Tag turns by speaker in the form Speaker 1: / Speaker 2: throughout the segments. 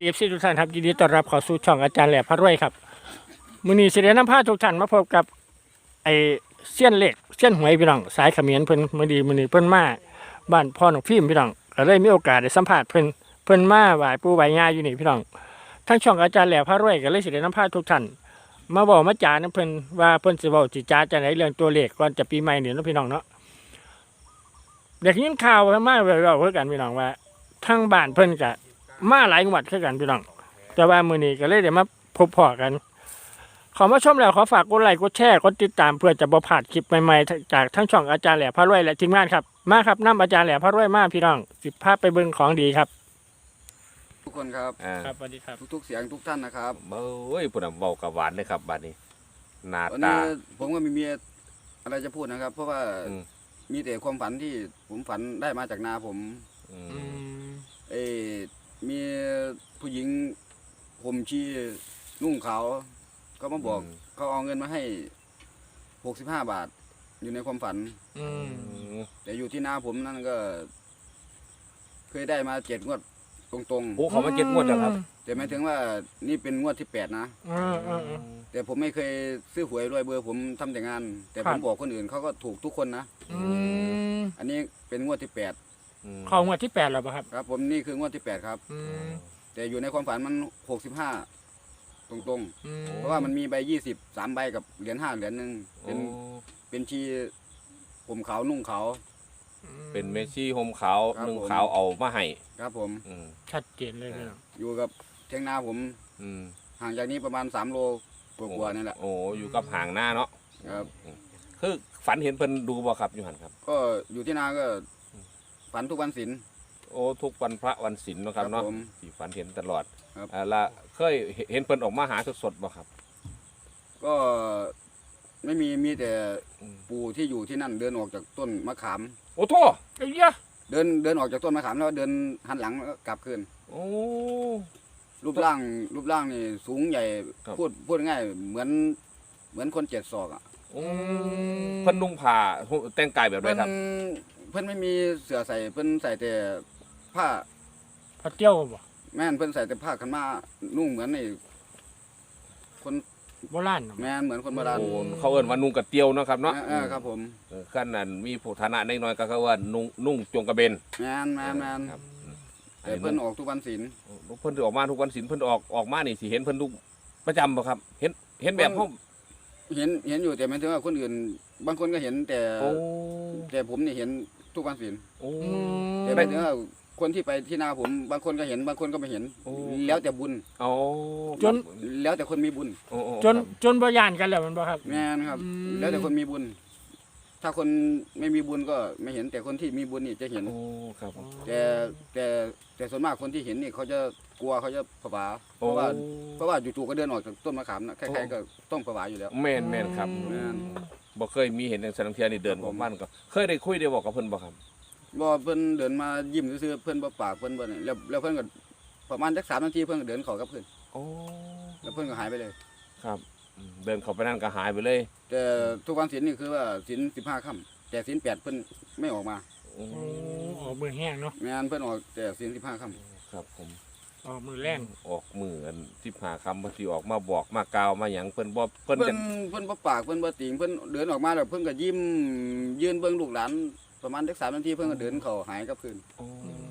Speaker 1: FC ทุกท่านครับยินดีต้อนรับเข้าสู่ช่องอาจารย์แหล่พระรวยครับมื้อนี้สิได้นำพาทุกท่านมาพบกับไอ้เซียนเหล็กเซียนหวยพี่น้องสายเขมรเพิ่นมื้อนี้เพิ่นมาบ้านพ่อน้องฟิล์มพี่น้องก็เลยมีโอกาสได้สัมภาษณ์เพิ่นมาไหว้ปู่ไหว้ย่าอยู่นี่พี่น้องทั้งช่องอาจารย์แหล่พระรวยก็เลยสิได้นำพาทุกท่านมาบอกมาจานํเพิ่นว่าเพิ่นสิเว้าสิจาจังไดเรื่องตัวเลขก่อนจะปีใหม่นี่เนาะพี่น้องเนาะเด็กยินข่าวมาเว้าๆคือกันพี่น้องว่าทางบ้านเพิ่นก็มาหลายงวดคือกันพี่น้องแต่ว่ามื้อนี้ก็เลยได้มาพบพ่อกันขอมาชมแล้วขอฝากกดไลค์กดแชร์กดติดตามเพื่อจะบ่พลาดคลิปใหม่ๆจากทั้งช่องอาจารย์แหล่พระรวยและทีมงานครับมาครับนำอาจารย์แหล่พระรวยมาพี่น้องสิพาไปเบิ่งของดีครับ
Speaker 2: ทุกคนครับ
Speaker 1: ครับสวัสดีครับ
Speaker 2: ทุกๆเสียงทุกท่านนะครับ
Speaker 3: เบ้ยปุ่นน่ะเว้ากับหวานเลยครับบัดนี้หน้า
Speaker 2: วัน
Speaker 3: ตา
Speaker 2: นี้ผมก็มีอะไรจะพูดนะครับ เพราะว่า
Speaker 3: อืม
Speaker 2: มีแต่ความฝันที่ผมฝันได้มาจากนาผม
Speaker 3: อืม
Speaker 2: เออมีผู้หญิงผมชีนุ่งขาวเขามาบอกเขาเอาเงินมาให้65 บาท อยู่ในความฝัน
Speaker 1: อืม
Speaker 2: แต่อยู่ที่นาผมนั่นก็ เคยได้มา7 งวดตรง
Speaker 3: โอ้เขามาเก็บงวดแล้วครับ
Speaker 2: ๆแต่หมายถึงว่านี่เป็นงวดที่8นะ แต่ผมไม่เคยซื้อหวยด้วยเบอร์ผมทำแต่งาน แต่ผมบอกคนอื่นเขาก็ถูกทุกคนนะ อันนี้เป็นงวดที่8
Speaker 1: เข้างวดที่8แล้วป่ะครับ
Speaker 2: ครับ ผมนี่คืองวดที่8ครับ แต่อยู่ในความฝันมัน65ตรงๆ เพราะว่ามันมีใบ20 3 ใบกับเหรียญ5 เหรียญนึงเป็นชีผมขาวนุ่งขาว
Speaker 3: เป็นเมชี่โฮมขาว
Speaker 2: ครับ
Speaker 3: นุ่ง
Speaker 2: ผม
Speaker 3: ขาวเอามาให้
Speaker 2: ครับผม
Speaker 3: อืม
Speaker 1: ชัดเจนเลยพี่น้อง
Speaker 2: อยู่กับเทียงนาผม
Speaker 3: อืม
Speaker 2: ห่างจากนี้ประมาณ3 โลกว่าๆนี่แหละ
Speaker 3: โอ้อยู่กับห่างหน้าเนาะ
Speaker 2: ครับ
Speaker 3: คือฝันเห็นเพิ่นดูบ่ครับอยู่หั่นครับ
Speaker 2: ก็อยู่ที่นาก็ฝันทุกวันศีล
Speaker 3: โอ้ทุกวันพระวันศีลเนาะครับ
Speaker 2: ครับ
Speaker 3: เนาะ
Speaker 2: ผม
Speaker 3: ที่ฝันเห็นตลอด
Speaker 2: ครับ
Speaker 3: ละเคยเห็นเพิ่นออกมาหาสดๆบ่ครับ
Speaker 2: ก็ไม่มีแต่
Speaker 3: อืม
Speaker 2: ปู่ที่อยู่ที่นั่นเดินออกจากต้นมะขาม
Speaker 3: โอ้โท
Speaker 1: ไอ้ยะ
Speaker 2: เดินออกจากต้นมะขามแล้วเดินหันหลังแล้วก็กลับคืน
Speaker 3: โอ้
Speaker 2: รูปร่างนี่สูงใหญ่
Speaker 3: ครับ
Speaker 2: พูดง่ายเหมือนคน7 ศอกอ่ะ
Speaker 3: โอ้เพิ่นนุ่งผ้าแต่งกายแบบไรครับ
Speaker 2: เพิ่นไม่มีเสื้อใส่เพิ่นใส่แต่ผ้า
Speaker 1: พอเตี้ยวบ่
Speaker 2: แม่นเพิ่นใส่แต่ผ้าขันมานุ่งเหมือนไอ้คน
Speaker 1: โบราณเนาะ
Speaker 2: แม่นเหมือนคนโบราณ
Speaker 3: โอ้เขาเอิ้นว่านุ่งกระเตียวเนาะครับเนาะ
Speaker 2: ครับผม
Speaker 3: ขั้นนั้นมีผู้ฐานะน้อยๆก็คือว่านุ่งจงกระเบน
Speaker 2: แม่น
Speaker 3: ครับ
Speaker 2: แต่เพิ่นออกทุกวันศีล
Speaker 3: เพิ่นออกมาทุกวันศีลเพิ่นออกมานี่สิเห็นเพิ่นทุกประจำบ่ครับ เห็นแบบเฮา
Speaker 2: เห็นอยู่แต่หมายถึงว่าคนอื่น บางคนก็เห็นแต่
Speaker 3: โอ้
Speaker 2: แต่ผมนี่เห็นทุกวันศีล
Speaker 3: โอ้
Speaker 2: แต่หมายถึงว่าคนที่ไปที่นาผมบางคนก็เห็นบางคนก็ไม่เห็น
Speaker 3: โอ้
Speaker 2: แล้วแต่บุญ
Speaker 3: โอ้
Speaker 2: แล้วแต่คนมีบุญ
Speaker 3: โอ้
Speaker 1: จนบ่ย่านกันแล้วมันบ่ครับ
Speaker 2: แม่นะครับ แล้วแต่คนมีบุญ ถ้าคนไม่มีบุญก็ไม่เห็น แต่คนที่มีบุญนี่จะเห็น
Speaker 3: โอ้ครับ
Speaker 2: แต่ส่วนมากคนที่เห็นนี่เขาจะกลัวเขาจะผวาเพราะว่าจู่ๆก็เดินออกจากต้นมะขามนะใครๆก็ต้องผวาอยู่แล้ว
Speaker 3: แม่นครับ
Speaker 2: แม่น
Speaker 3: บ่เคยมีเห็นอย่างสังเทียนี่เดินออกบ้านก็เคยได้คุยได้บอกกับเพิ่นบ่ครับ
Speaker 2: บ่เพิ่นเดินมายิ้มซื่อๆเพิ่นบ่ปากเพิ่นบ่นี่แล้วเพิ่นก็ประมาณสัก3 นาทีเพิ่นก็เดินเข้ากับเพิ่น
Speaker 3: โอ้
Speaker 2: แล้วเพิ่นก็หายไปเลย
Speaker 3: ครับเดินเข้าไปนั่นก็หายไปเลย
Speaker 2: แต่ทุกวันศีลนี่คือว่าศีล15 ค่ำแต่ศีล8เพิ่นไม่ออกมา
Speaker 3: โอ้
Speaker 1: ออกมือแห้งเนาะ
Speaker 2: แม่นเพิ่นออกแต่ศีล15 ค่ำ
Speaker 3: ครับผม
Speaker 1: ออกมือแรง
Speaker 3: ออกมืออัน15คำบางทีออกมาบอกมากล่าวมาหยังเพิ่นบ่เพิ่น
Speaker 2: เพิ่
Speaker 3: จะ
Speaker 2: นบ่ปากเพิ่นบ่ติงเพิ่นเดินออกมาแล้วเพิ่นก็ยิ้มยืนเบิ่งลูกหลานประมาณสัก3 นาทีเพิ่นก็เดินเข้าหายกับเพิ่น
Speaker 3: โอ้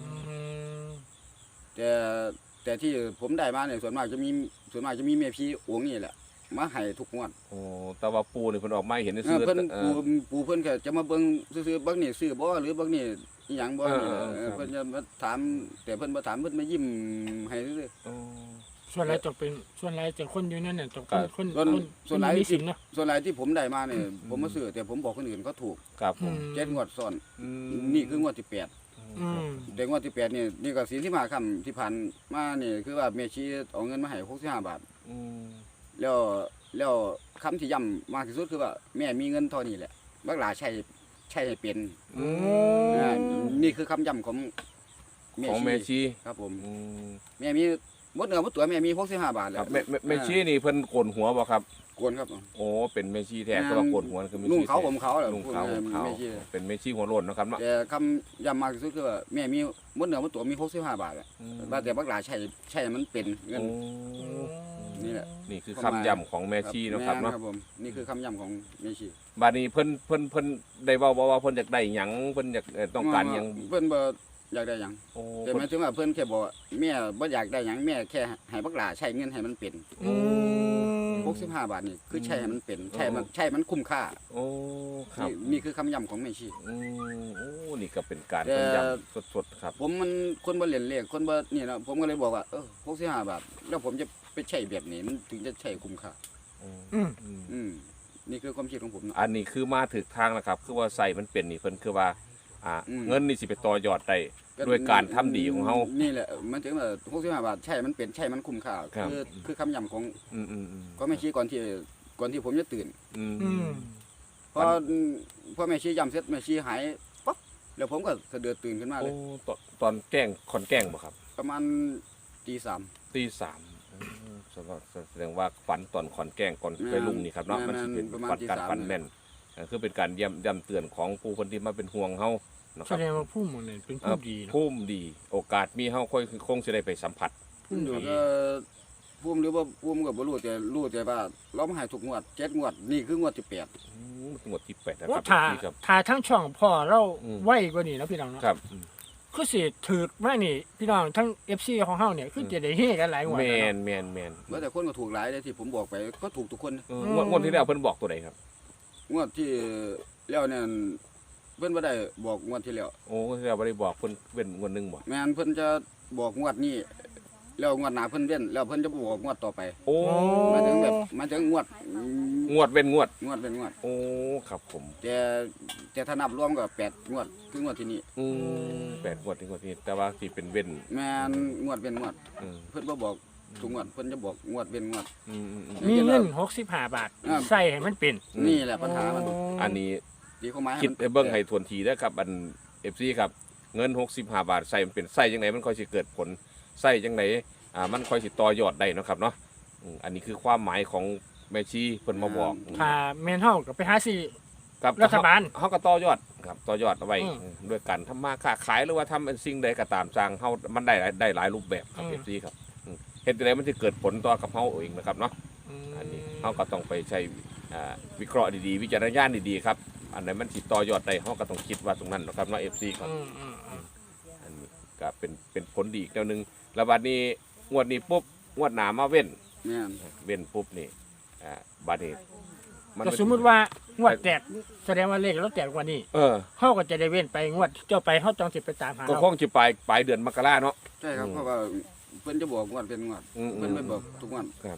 Speaker 2: แต่ที่ผมได้มาเนี่ยส่วนมากจะมีแม่พี่องค์นี่แหละมาให้ทุกงวด
Speaker 3: โอ้แต่ว่าปูนี่เพิ่นออกมาให้เห็น
Speaker 2: เอ
Speaker 3: ซื่
Speaker 2: อ
Speaker 3: อ
Speaker 2: เพิ่น
Speaker 3: เอ
Speaker 2: ปู่เพิ่นก็จะมาเบิ่งซื่อๆบักนี่ซื้อบ่หรือบักนี่อีหยังบ่นี่
Speaker 3: ครับ
Speaker 2: เพิ่นจะมาถามแต่เพิ่นบ่ถามเพิ่นมายิ้มให้ซื่อ
Speaker 3: โอ้
Speaker 1: ส่วนไรจะเป็นส่วนไรจะคนอยู่นั่นน่ะจะคน
Speaker 2: ๆส่วนหลาย
Speaker 1: มีสิ
Speaker 2: ที่
Speaker 1: นเนาะ
Speaker 2: ส่วนหลายที่ผมได้มาเนี่ยผมมาซื้อแต่ผมบอกคนอื่นเขาถูก
Speaker 3: ครับผม
Speaker 2: 7 งวดซ้อน
Speaker 3: อืม
Speaker 2: นี่คืองวดที่8
Speaker 1: อืม
Speaker 2: งวดที่8นี่ก็ศีลที่มาค่ำที่ผ่านมานี่คือว่าแม่ชีเอาเงินมาให้65 บาท
Speaker 3: อืม
Speaker 2: แล้วคำที่ย้ำมากที่สุดคือว่าแม่มีเงินเท่านี้แหละบักหลาใช้ให้เป็น
Speaker 3: อืม
Speaker 2: อ่านี่คือคำย้ำของ
Speaker 3: ของเมชี
Speaker 2: ครับผม
Speaker 3: อืม
Speaker 2: แม่มีหมดเนื้อหมดตัวแม่มี65 บาทแล้
Speaker 3: ครั
Speaker 2: ว
Speaker 3: บแม่ชีนี่เพิ่นโกนหัวบ่ครับ
Speaker 2: กวนครับ
Speaker 3: โอ้เป็นแม่ชีแท้ก็ว่าโกนหัวคือแม่ชี
Speaker 2: นุ่งเขา
Speaker 3: แท้
Speaker 2: ผมเขาแหละ
Speaker 3: นุ่งขาวผมขาว
Speaker 2: แม่ชี
Speaker 3: เป็นแม่ชีหัวโล้นเนาะครับเนาะ
Speaker 2: แต่คำย้ำมากที่สุดคือว่าแม่มีหมดเนื้อหมดตัวมี65 บาทอะว่าแต่บักหลาใช่มันเป็นเงิน
Speaker 3: โอ้
Speaker 2: นี่แหละ
Speaker 3: นี่คือคำย้ำของแม่ชีเนาะครับเนาะ
Speaker 2: แม่ผมนี่คือคำย้ำของแม่ชี
Speaker 3: บัดนี้เพิ่นได้เว้าบ่ว่าเพิ่นอยากได้หยังเพิ่นอยากต้องการหยัง
Speaker 2: เพิ่นบ่อยากได้หยัง
Speaker 3: โอ้
Speaker 2: แต่หมายถึงว่าเพิ่นแค่บอกว่าแม่บ่อยากได้หยังแม่แค่ให้บักหลาใช้เงินให้มันเป็น
Speaker 1: อืม
Speaker 2: 65 บาทนี่คือใช้ให้มันเป็นใช้มันคุ้มค่า
Speaker 3: โอ้ครับ
Speaker 2: นี่คือคำย้ำของแม่ชี
Speaker 3: โอ้นี่ก็เป็นการ
Speaker 2: แต่
Speaker 3: เพิ่นย้ำสดๆครับ
Speaker 2: ผมมันคนบ่เล่นเลขคนบ่นี่นะผมก็เลยบอกว่า65 บาทแล้วผมจะไปใช้แบบนี้มันถึงจะใช้คุ้มค่า
Speaker 1: อืม
Speaker 2: อืมนี่คือความคิดของผมเนาะ
Speaker 3: อันนี้คือมาถึกทางแล้วครับ คือว่าใส่มันเป็นนี่เพิ่นคือว่าเงินนี่สิไปต่อยอดได้ด้วยการทำดีของเฮา
Speaker 2: นี่แหละมันถึงว่า65 บาทใช้มันเป็นใช้มันคุ้มค่า
Speaker 3: ครับ
Speaker 2: คือคำย้ำของ
Speaker 3: อืม
Speaker 2: แม่ชีก่อนที่ผมจะตื่น
Speaker 3: อืม
Speaker 1: อืม
Speaker 2: พอแม่ชีย้ำเสร็จแม่ชีหายปั๊บแล้วผมก็สะเดือดตื่นขึ้นมาเล
Speaker 3: โอ้
Speaker 2: ย
Speaker 3: ตอนแกล้งคอนแกล้งบ่ครับ
Speaker 2: ประมาณตี 3
Speaker 3: ตีสามแสดงว่าฝันตอนขอนแกล้งก่อนไปลุงนี่ครับเนาะ
Speaker 2: แม่
Speaker 3: มัน
Speaker 2: น
Speaker 3: สิเป็น
Speaker 2: ประมาณ
Speaker 3: ฝัน
Speaker 2: ตี
Speaker 3: การ
Speaker 2: สาม
Speaker 3: ฝันแม่นคือเป็นการย้ำเตือนของผู้คนที่มาเป็นห่วงเฮานะ
Speaker 1: แส
Speaker 3: ครับ
Speaker 1: ดงว่าผู้หมดเนี่ยเป็นผู้ดีเนาะ
Speaker 3: ภูมิดี โอกาสมีเฮาคงสิได้ไปสัมผัส
Speaker 1: ผู้ดี
Speaker 2: ก็ภูมิหรือว่าภูมิก็บ่รู้แต่ว่าเรามาให้ทุกงวด7งวดนี่คืองวดที่8
Speaker 3: งวดที่8นะค
Speaker 1: ว่า
Speaker 3: รับ
Speaker 1: ถ่า
Speaker 3: พี่ครับ
Speaker 1: ถ่าทั้งช่องพ่อเรา
Speaker 3: อืม
Speaker 1: ไวกว่านี้เนาะพี่น้องเนาะ
Speaker 3: ครับ
Speaker 1: คือสิถือมานี่พี่น้องทั้ง FC ของเฮาเนี่ยคือจะได้เฮกันหลายงวด
Speaker 3: แม
Speaker 1: แล้ว
Speaker 3: น
Speaker 1: เนาะ
Speaker 3: แมน
Speaker 2: ว่าแต่คนก็ถูกหลายเลยที่ผมบอกไปก็ถูกทุกคน
Speaker 3: งวดที่แล้วเพิ่นบอกตัวใดครับ
Speaker 2: งวดที่แล้วเนี่ยเพิ่นบ่ได้บอกงวดที่แล้ว
Speaker 3: โอ้ที่แล้วบ่ได้บอกเพิ่นเว้นงวดหนึงบ่
Speaker 2: แม่นเพิ่นจะบอกงวดนี้แล้วงวดหน้าเพิ่นเว้นแล้วเพิ่นจะบอกงวดต่อไป
Speaker 3: โอ้
Speaker 2: หมายถึงงวด
Speaker 3: งวดเว้นงวด
Speaker 2: งวดเป็นงวด
Speaker 3: โอ้ครับผม
Speaker 2: แต่ถ้านับรวมก็8งวดคืองวดที่นี่
Speaker 3: 8งวดถึงงวดนี้แต่ว่าสิเป็นเว้น
Speaker 2: แม่นงวดเป็นงวด
Speaker 3: อืม
Speaker 2: เพิ่นบ่บอกทุกงวดเพิ่นจะบอกงวดเป็นงวด
Speaker 3: อืม
Speaker 1: มีเงิน65 บาท
Speaker 2: อ่า
Speaker 1: ใส่ให้มันเป็น
Speaker 2: นี่แหละปัญหามัน
Speaker 3: อันนี้
Speaker 2: ตีเข้ามา
Speaker 3: คิดให้เบิ่งให้ทวนทีนะครับอัน FC ครับเงิน65 บาทใส่มันเป็นใส่จังไดมันค่อยสิเกิดผลใส่จังไดมันค่อยสิต่อยอดได้เนาะครับเนาะอันนี้คือความหมายของแม่ชีเพิ่นมาบอก
Speaker 1: ถ้าแม่นเฮาก็ไปหาซื้อ
Speaker 3: ครับ
Speaker 1: รัฐบาล
Speaker 3: เฮาก็ต่อยอดครับต่อยอดเอาไว้
Speaker 1: อืม
Speaker 3: ด้วยการทำมาค้าขายหรือว่าทำเป็นสิ่งใดก็ตามสร้างเฮามันได้หลายรูปแบบครับ FC ครับเฮ็ดจังไดมันสิเกิดผลต่อกับเฮาเองนะครับเนาะ อันนี้เขาก็ต้องไปใช้วิเคราะห์ดีๆ วิจารณญาณดีๆครับ อันไหนมันติดต่อยอดได้เขาก็ต้องคิดว่าตรงนั้นนะครับเนาะ FC ครับ อันนี้ก็เป็นผลดีอีกแนวหนึงแล้วบัดนี้งวดนี้ปุ๊บงวดหน้ามาเว้น
Speaker 2: แม่น
Speaker 3: เว้นปุ๊บนี่บัดนี้
Speaker 1: ก็สมมุติว่างวดแตกแสดงว่าเลขเราแตกกว่านี้
Speaker 3: เออ
Speaker 1: เฮาก็จะได้เว้นไปงวดเจ้าไปเฮาต้องสิไปตามหา
Speaker 3: ก็
Speaker 1: เรา
Speaker 3: คงจะปลายเดือนมกราเนาะ
Speaker 2: ใช่ครับเพราะว่าเพิ่นจะบอกงวดเป็นงวด
Speaker 3: อืม
Speaker 2: เพิ่นไม่บอกทุกงวด
Speaker 3: ครับ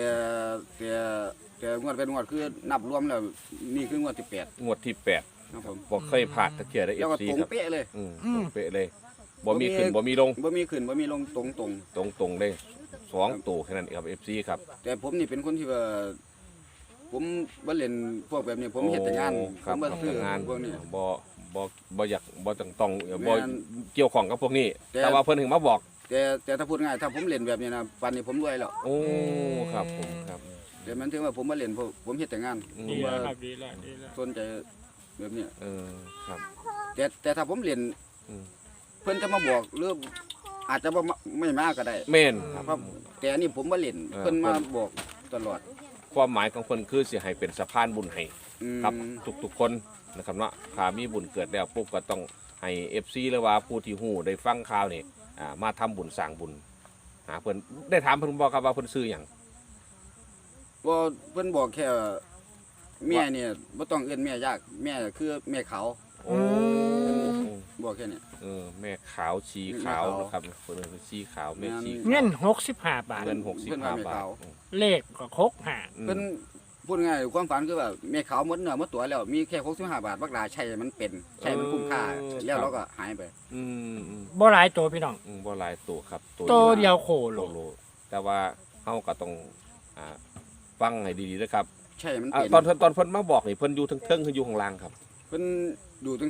Speaker 2: แต่งวดเป็นงวดคือนับรวมแล้วนี่คืองวดที่8
Speaker 3: งวดที่8
Speaker 2: ครับผม
Speaker 3: บ่เคยพลาดตะเกียได้
Speaker 2: แล้วก็
Speaker 3: FC
Speaker 2: ตรง
Speaker 3: ครับ
Speaker 2: เป๊ะเลย
Speaker 3: เป๊ะเลยบ่มีขึ้นบ่มีลง
Speaker 2: บ่มีขึ้นบ่มีลงตรง
Speaker 3: ตรงๆเลย2ตัวแค่นั้นเองครับ FC ครับ
Speaker 2: แต่ผมนี่เป็นคนที่ว่าผมบ่เล่นพวกแบบนี้ผมเฮ็ดแต่งาน
Speaker 3: โอ้
Speaker 2: ผ
Speaker 3: ครับ
Speaker 2: มบ่ซื้อ
Speaker 3: ทำงาน
Speaker 2: พวกนี้
Speaker 3: บ่อยากบ่ต้องบ่
Speaker 2: แม่น
Speaker 3: เกี่ยวข้องกับพวกนี้
Speaker 2: แต่
Speaker 3: แต่ว่าเพิ่นถึงมาบอก
Speaker 2: แต่ถ้าพูดง่ายถ้าผมเล่นแบบนี้นะป่านนี้ผมรวยแล้ว
Speaker 3: โอ้ครับผมครับ
Speaker 2: แต่มันถึงว่าผมบ่เล่นเพราะผมเฮ็ดแต่งาน
Speaker 3: อืม
Speaker 1: ดี
Speaker 2: ผม
Speaker 1: แล้ว
Speaker 2: ว่า
Speaker 1: ครับดีแล้วดีแล้ว
Speaker 2: สนใจแบบนี้
Speaker 3: ครับ
Speaker 2: แต่ถ้าผมเล่น
Speaker 3: อืม
Speaker 2: เพิ่นจะมาบอกหรืออาจจะบ่มาไม่มาก็ได้
Speaker 3: แม่นครับ
Speaker 2: เพราะแต่อันนี้ผมบ่เล่น
Speaker 3: เออ
Speaker 2: เพิ่นมาบอกตลอด
Speaker 3: ความหมายของเพิ่นคือสิให้เป็นสะพานบุญให้
Speaker 2: อืม
Speaker 3: กับทุกๆคนนะครับเนาะถ้ามีบุญเกิดแล้วปุ๊บก็ต้องให้ FC หรือว่าผู้ที่ฮู้ได้ฟังข่าวนี่มาทำบุญสร้างบุญหาเพิ่นได้ถามเพิ่นบ่ครับว่าเพิ่นซื้อหยัง
Speaker 2: บ่เพิ่นบอกแค่ว่าแม่เนี่ยบ่ต้องเอิ้นแม่ยากแม่คือแม่เขา
Speaker 3: โอ้
Speaker 2: บอกแค่นี้
Speaker 3: แม่ขาวชีขาว
Speaker 2: แม่ขาว
Speaker 3: นะครับเพิ่นเป็นชีขาวแม่ชี
Speaker 1: เงิน65 บาท
Speaker 3: เงิน
Speaker 2: เพิ่นว่าแม่
Speaker 3: 65 บา
Speaker 2: ขา
Speaker 3: ท
Speaker 2: ว
Speaker 1: เลขก็65
Speaker 2: เพิ่นพูดง่ายๆความฝันคือว่าแม่ขาวหมดเนื้อหมดตัวแล้วมีแค่65 บาทบักหลาใช้มันเป็นใช้มันคุ้มค่าแล้วเราก็หายไป
Speaker 3: อืม
Speaker 1: บ่หลายตัวพี่น้อง
Speaker 3: บ่หลายตัวครับ
Speaker 1: ตัวเดียวโคโล
Speaker 3: โลแต่ว่าเฮาก็ต้องฟังให้ดีๆนะครับ
Speaker 2: ใช่มันเป็น
Speaker 3: ตอนเพิ่นมาบอกนี่เพิ่นอยู่เทิงๆคืออยู่ข้างล่างครับ
Speaker 2: เพิ่นดูทึ่ง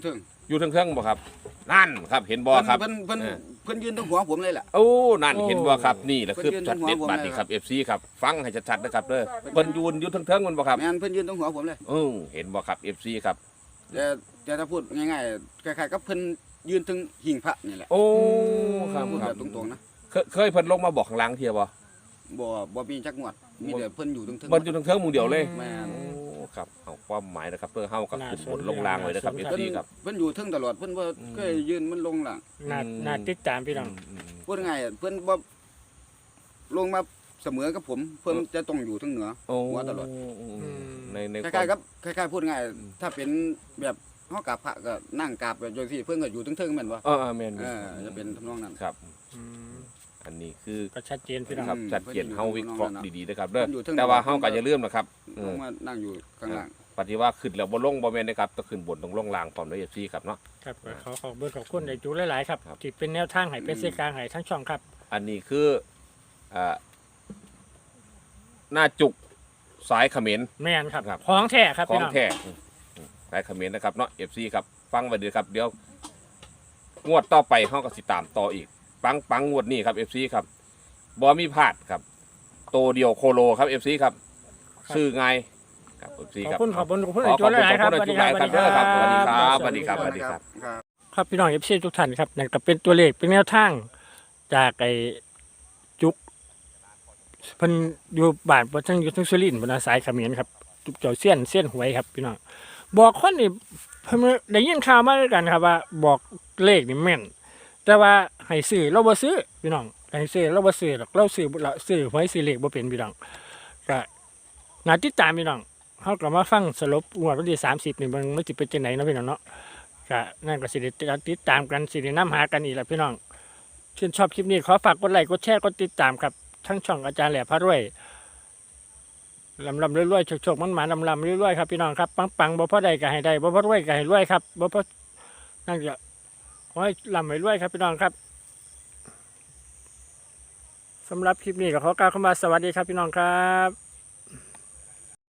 Speaker 3: อยู่เทิงๆบ่ครับนั่นครับเห็นบ่ครับ
Speaker 2: เพิ่นยืนตรงหัวผมเลยแหละ
Speaker 3: โอ้นั่นเห็นบ่ครับนี่แหละคือ
Speaker 2: เพิ่นยืน
Speaker 3: ช็อตเด็ด
Speaker 2: ตรงหัว
Speaker 3: บัดนี้ครับ
Speaker 2: ผมเลย
Speaker 3: FC ครับฟังให้ชัดๆนะครับเด้อเพิ่นยืนอยู่เทิงๆมันบ่ครับ
Speaker 2: แม่นเพิ่นยืนตรงหัวผมเลย
Speaker 3: เห็นบ่ครับ FC ครับ
Speaker 2: แต่ถ้าพูดง่ายๆคล้ายๆกับเพิ่นยืนถึงหิ้งพระนี่แหละ
Speaker 3: โอ้ครับ
Speaker 2: พูด
Speaker 3: ค
Speaker 2: แบ
Speaker 3: รับบ
Speaker 2: ตรงๆนะ
Speaker 3: เคยเพิ่นลงมาบอกข้างล่างเที่ยบ่
Speaker 2: บ่มีจักงวดมีแต่เพิ่นอยู่ตรงๆ
Speaker 3: มันอยู่เทิงๆหมู่เดียวเลย
Speaker 2: แม่น
Speaker 3: โอ้ครับเอาความหมายนะครับเพื่อเฮากับขึ้นบนลงล่างไว้นะครับ
Speaker 2: เพิ่น
Speaker 3: FC ครับ
Speaker 2: เพิ่นอยู่ถึงตลอดเพิ่นบ่เคยยืนมันลงล่าง
Speaker 1: น่าติดตามพี่น้อง
Speaker 2: พูดง่ายๆเพิ่นบ่ลงมาเสมอกับผม เพิ่นจะต้องอยู่ถึงเหนือ
Speaker 3: โอ้
Speaker 2: หัวตลอด
Speaker 3: ใน
Speaker 2: คล้ายๆกับคล้ายๆพูดง่ายถ้าเป็นแบบเฮากราบพระก็นั่งกราบแบบจังซี่เพิ่นก็อยู่ถึงๆแม่นบ่
Speaker 3: แม่น
Speaker 2: จะเป็นทำนองนั้น
Speaker 3: ครับ อันนี้คือ
Speaker 1: ก็ชัดเจนพี่น้อง
Speaker 3: ครับชัดเจนเฮาวิเคราะห์ดีๆนะครับเด้อ
Speaker 2: มันอยู่เทิง
Speaker 3: แต่ว่าเฮาก็อย่าลืมนะครับ
Speaker 2: ลงมานั่งอยู่ข้างล่าง
Speaker 3: ปฏิว่าขึ้นแล้วบ่ลงบ่แม่นนะครับต้องขึ้นบนต้องลงล่างพร้อมด้วย FC ครับเนาะ
Speaker 1: ครับก็ขอเบอร์ขอบคุณในจูหลายๆครับ
Speaker 3: ครับ
Speaker 1: ที่เป็นแนวทางให้เป็นเส้นกลางให้ทั้งช่องครับ
Speaker 3: อันนี้คือหน้าจุกสายเขมร
Speaker 1: แม่นครับ
Speaker 3: ครับ
Speaker 1: ของแท้ครับ
Speaker 3: ขอ
Speaker 1: พี่
Speaker 3: ง
Speaker 1: น้อง
Speaker 3: แท้สายเขมรนะครับเนาะ FC ครับฟังไว้ดีครับเดี๋ยวงวดต่อไปเฮาก็สิตามต่ออีกปังงวดนี้ครับ FC ครับบ่มีพลาดครับโตเดียวโคโลครับ FC ครับซื้อไงายครับ FC
Speaker 1: ขอบ
Speaker 3: ครับ
Speaker 1: คุณขอบคุณขอบคุณ
Speaker 3: ข
Speaker 1: ใน
Speaker 3: อ
Speaker 1: จู
Speaker 3: ขอบ
Speaker 1: ห
Speaker 3: คุณ
Speaker 1: ลายๆครับ
Speaker 3: ขอบคุณในทุกหลายครับเด้อครับสวัสดีครับสวัสดีครับ
Speaker 2: ครับ
Speaker 1: ครับพี่น้องเอฟซีทุกท่านครับนั่นก็เป็นตัวเลขเป็นแนวทางจากไอ้จุกเพิ่นอยู่บ้านเพิ่นทั้งอยู่ทั้งสุรินทร์บนสายเขมรครับจุกเจ้าเสี้ยนหวยครับพี่น้องบอกคนนี่เพิ่นได้ยินข่าวมาด้วยกันครับว่าบอกเลขนี่แม่น แต่ว่าให้ซื้อเราบ่ซื้อพี่น้องให้ซื้อเราบ่ซื้อหรอกเราซื้อหวยซื้อเลขบ่เป็นพี่น้องก็น่าติดตามพี่น้องเฮาก็มาฟังสรุปงวดวันที่30นี่มันสิเป็นจังได๋เนาะพี่น้องเนาะก็นั่นก็สิได้ติดตามกันสิได้นำหากันอีกล่ะพี่น้องชื่นชอบคลิปนี้ขอฝากกดไลค์กดแชร์กดติดตามครับทั้งช่องอาจารย์แหล่พระรวยลำรวยๆโชคๆมันหมานลำรวยๆครับพี่น้องครับปังๆบ่พอได้ก็ให้ได้บ่พอรวยก็ให้รวยครับบ่พอนั่นก็ขอให้ลำให้รวยครับพี่น้องครับสำหรับคลิปนี้ก็ขอกล่าวคำว่าสวัสดีครับพี่น้องครับ